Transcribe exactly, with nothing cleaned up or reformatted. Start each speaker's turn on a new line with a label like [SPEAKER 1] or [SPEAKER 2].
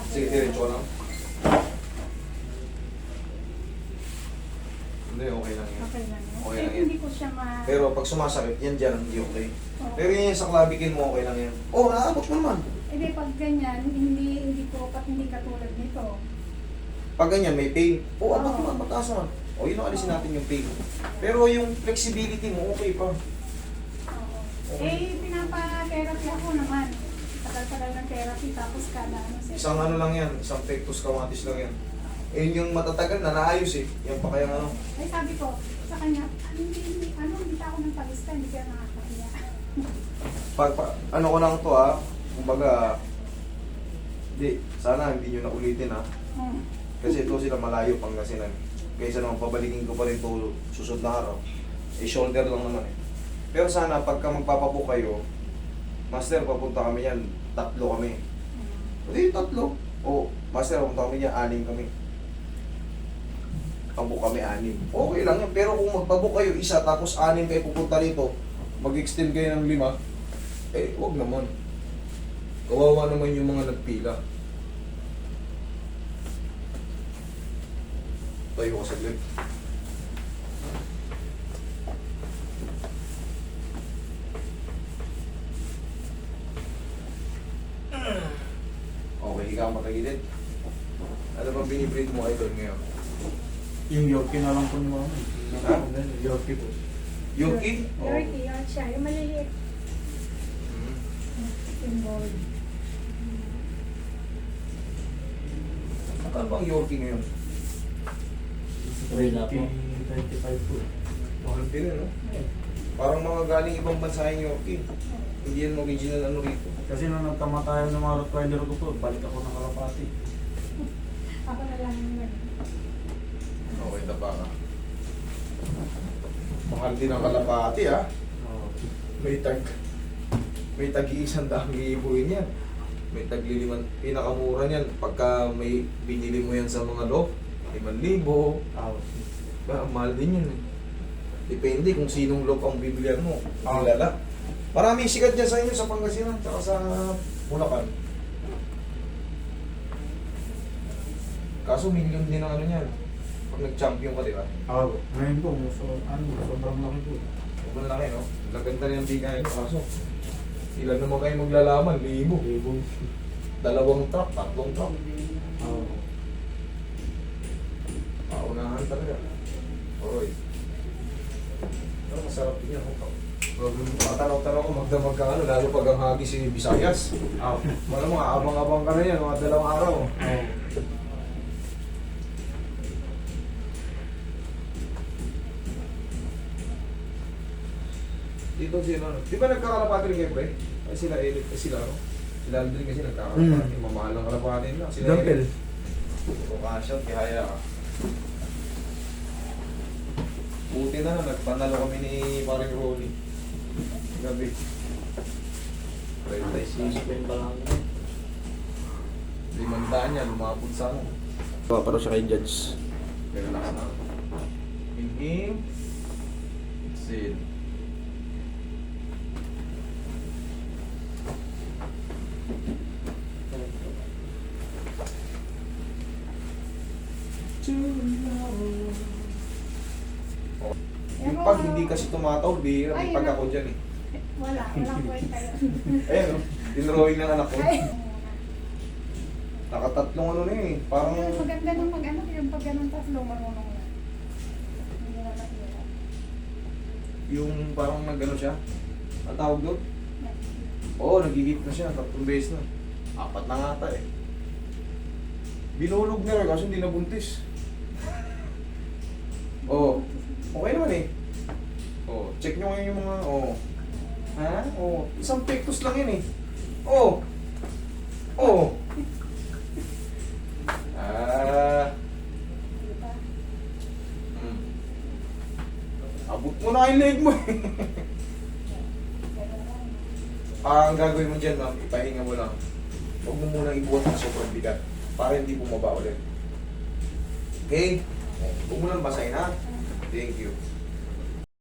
[SPEAKER 1] Sige, diretso lang. Hindi, okay lang yan.
[SPEAKER 2] Okay lang yun.
[SPEAKER 1] Okay
[SPEAKER 2] Eh,
[SPEAKER 1] lang yan.
[SPEAKER 2] hindi ko siya ma...
[SPEAKER 1] Pero pag sumasakit, yan dyan, hindi okay.
[SPEAKER 2] Oo.
[SPEAKER 1] Pero yun sa clavicle mo, okay lang yan. Oo, oh, naabot mo naman.
[SPEAKER 2] Eh, di, pag ganyan, hindi, hindi ko, pat hindi katulad nito.
[SPEAKER 1] Pag ganyan, may pain. Oo, oh, abot
[SPEAKER 2] Oo.
[SPEAKER 1] mo, mataas naman. O, yun ang alisin natin yung pain. Pero yung flexibility mo, okay pa.
[SPEAKER 2] Oo.
[SPEAKER 1] Okay.
[SPEAKER 2] Eh, pinapa-therapy ako naman. Tagal-tagal ng therapy, tapos kada ano siya.
[SPEAKER 1] Isang ano lang yan, isang pectus carotis lang yan. Eh, yun yung matatagal na naayos eh. Yan pa kaya ano.
[SPEAKER 2] Ay, sabi ko, sa kanya, "Ah, hindi, hindi, ano, hindi pa ako ng palista, hindi kaya nakakahiya."
[SPEAKER 1] Pag, pa, ano ko lang to ah, kumbaga, di, sana hindi nyo na ulitin ah.
[SPEAKER 2] Hmm.
[SPEAKER 1] Kasi ito sila malayo Pangasinan. Kaysa naman pabalikin ko pa rin to susunod na araw. Eh, shoulder lang naman eh. Pero sana pagka magpapabook kayo, master, papunta kami yan, tatlo kami. Hindi, tatlo. O, master, papunta kami yan, anim kami. Pabook kami anim. Okay lang yan. Pero kung magpabook kayo isa, tapos anim kayo pupunta rito, mag-extend kayo ng lima, eh, wag naman. Kawawa naman yung mga nagpila. Tayo ko saglit. Okay, higa ang matagilid. Ano bang binibreed mo idol ngayon?
[SPEAKER 3] Yung Yorkie na lang po ni Mama.
[SPEAKER 1] Ha?
[SPEAKER 3] Yorkie po.
[SPEAKER 1] Yorkie? Oo.
[SPEAKER 2] Yorkie, yun siya, yung maliliit.
[SPEAKER 1] Hmm.
[SPEAKER 2] Yung boy.
[SPEAKER 1] Saan bang Yorkie ngayon?
[SPEAKER 3] Wala po. twenty-five po.
[SPEAKER 1] Mahal din eh, no? Parang mga galing ibang bansa yung Yorkie. Hindi yan original ano rito.
[SPEAKER 3] Kasi nung nagkamatayan ng mga Rottweiler ko po, balik ako ng Kalapati.
[SPEAKER 2] Ako na lang yung ganun.
[SPEAKER 1] Okay, tapa ka. Mahal din ang kalapati ah.
[SPEAKER 3] Oo.
[SPEAKER 1] May tag may tag-iisang daang iibuhin yan. May tagliliman, pinakamura niyan pagka may binili mo yan sa mga loft, limang libo.
[SPEAKER 3] Ah,
[SPEAKER 1] Ba, mahal din yun eh. Depende kung sinong loft ang bibilihan mo. Ang
[SPEAKER 3] Ah.
[SPEAKER 1] lala. Maraming sikat dyan sa inyo sa Pangasinan tsaka sa Bulacan. Kaso million din ang ano niyan. Pag nag-champion ka, di ba?
[SPEAKER 3] ah, ngayon po, so, ano, sobrang laki po.
[SPEAKER 1] Huwag na laki, no? Laganda rin ang bigayan ko. Kaso, ilan naman kayo maglalaman? Libo.
[SPEAKER 3] Libo.
[SPEAKER 1] Dalawang truck, tatlong truck.
[SPEAKER 3] Oo.
[SPEAKER 1] Paunahan talaga. Oy. Pero masarap din yan. Matanaw-tanaw ko magdamag ka ano, lalo pag ang hagi si Visayas.
[SPEAKER 3] Ah,
[SPEAKER 1] Wala mo, abang-abang ka na yan, mga dalawang araw.
[SPEAKER 3] oo.
[SPEAKER 1] Dito sila, ano? Di ba nagkakalapati rin kayo, pre? Ay sila, Eric, ay sila, ano? Sila Aldrin kasi nagkakalapati.
[SPEAKER 3] Mm.
[SPEAKER 1] Mamahal ang kalapati nila. Sila
[SPEAKER 3] Dumpel.
[SPEAKER 1] Kung kasya, kihaya ka. Buti na lang, nagpanalo kami ni paring Ronnie. Gabi. Right, nice.
[SPEAKER 3] Suspend pa lang.
[SPEAKER 1] Limandaan niya, lumapot sa ano. Paparo siya kay Judge. Pero lakas na. Inhale. Exhale. Yung pag hindi kasi tumataw, bihira. May
[SPEAKER 2] Ay,
[SPEAKER 1] pag
[SPEAKER 2] ano?
[SPEAKER 1] ako dyan eh.
[SPEAKER 2] Wala, walang kwenta yun.
[SPEAKER 1] Ayan o, dinrawing ng anak ko.
[SPEAKER 2] Ay,
[SPEAKER 1] Nakatatlong ano na eh. Parang
[SPEAKER 2] yung maganda nung mag ano, yung pag ganun tatlo, marunong na. Hindi na mahirap.
[SPEAKER 1] yung parang nag-ano siya. Ang tawag doon? Oo, nagigit na siya. Tatlong beses na. Apat na nga ata eh. Binulog na rin kasi hindi nabuntis. Oo. Okay naman eh. Oo. Check nyo ngayon yung mga... Oo. Ha? Oo. Isang pectus lang yun eh. Oo. Oo. Ah.
[SPEAKER 2] Diba?
[SPEAKER 1] Hmm. Abot mo na yung leg mo eh. Ah, ang gagawin mo dyan, ma'am, ipahinga mo lang. Huwag mo munang ibuhat na sobrang bigat para hindi bumaba ulit. Okay? Huwag mo lang basahin, ha? Thank you.